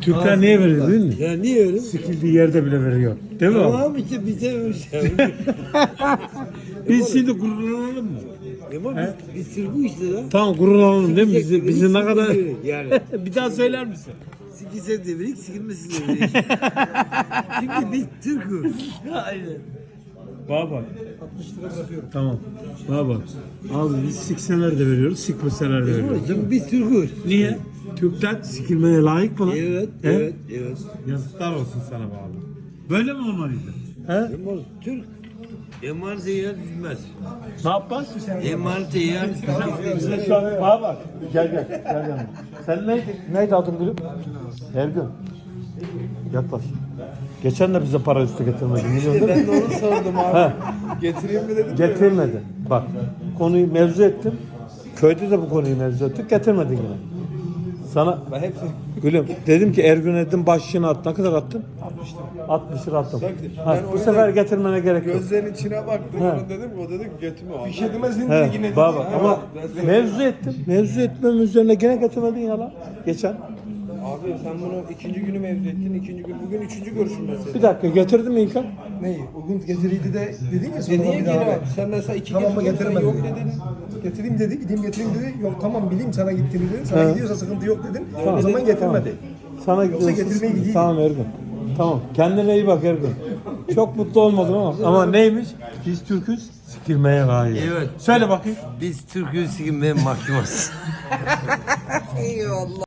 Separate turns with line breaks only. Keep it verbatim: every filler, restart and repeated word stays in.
Türkler niye veriyor değil mi?
Ya niye öyle?
Sikildiği yerde bile veriyor. Değil mi?
Tamam işte bize öyle.
Biz şimdi gururlanalım mı?
Ama biz, biz sır bu işte lan.
Tamam gururlanalım değil mi? Bizi,
Sikecek
bizi ne
devirik,
kadar...
sikecek devirik yani.
Bir daha söyler misin?
Sikilse devirik, sikilmesin devirik. Çünkü biz Türk'üz. Aynen.
Baba bak. altmış lira bırakıyorum. Tamam. Baba bak. Abi biz sikseler de veriyoruz, sikmeseler de veriyoruz.
Çünkü biz Türk'üz.
Niye? Türkler sikilmeye layık mı lan?
Evet,
He?
evet, evet.
Yazıklar olsun sana bağlı. Böyle mi olmalıydı? He?
Ama Türk emanete yer bilmez.
Ne yapmaz?
Emanete yer bilmez.
Bana bak. Gel gel. Gel gel. Sen neydi? Neydi adın gülüm? Ergün. Yaklaş. Geçen de bize para üstü getirmedi. Milyon değil mi?
Ben de onu sordum abi.
Ha.
Getireyim mi dedim.
Getirmedi. Bak konuyu mevzu ettim. Köyde de bu konuyu mevzu ettik. Getirmedin yine. Sana
Ben hepsini
gülüm dedim ki Ergün Edin başlığını at. Ne kadar attın? altmış lira attım.
Bak,
Ha,
ben
bu
o
sefer
yüzden
getirmene gerek yok.
gözlerinin içine baktım.
He.
Ona dedim o dedi ki götümü al. Bir şey demezsin
He,
yine dedi.
baba
Ha,
ama
ben sana-
mevzu ettim. Mevzu etmem üzerine gene getirmedin ya lan. Geçen.
Abi sen bunu ikinci günü mevzu ettin. ikinci gün. Bugün üçüncü görüşüm mesela.
Bir dakika getirdin mi İlkan?
Neyi? O gün getiriydi de dedin ya sonra
Dediğin
bir
gibi
daha.
abi. Sen mesela iki
Tamam mı
getirdin, sen
getiremedin?
yok dedin.
Getireyim dedi, gideyim getireyim dedi. Yok tamam bileyim sana gittiğini dedin. Sana
He.
gidiyorsa sıkıntı yok dedin.
Tamam.
O zaman getirmedi.
Sana
Yoksa
gidiyorsun.
getirmeye gideyim.
Tamam Ergun. Tamam. Kendine iyi bak Ergun. Çok mutlu olmadım ama. Ama neymiş? Biz Türk'üz. Sikilmeye layık.
Evet.
Söyle bakayım.
Biz Türk'üz sikilmeye mahkumuz.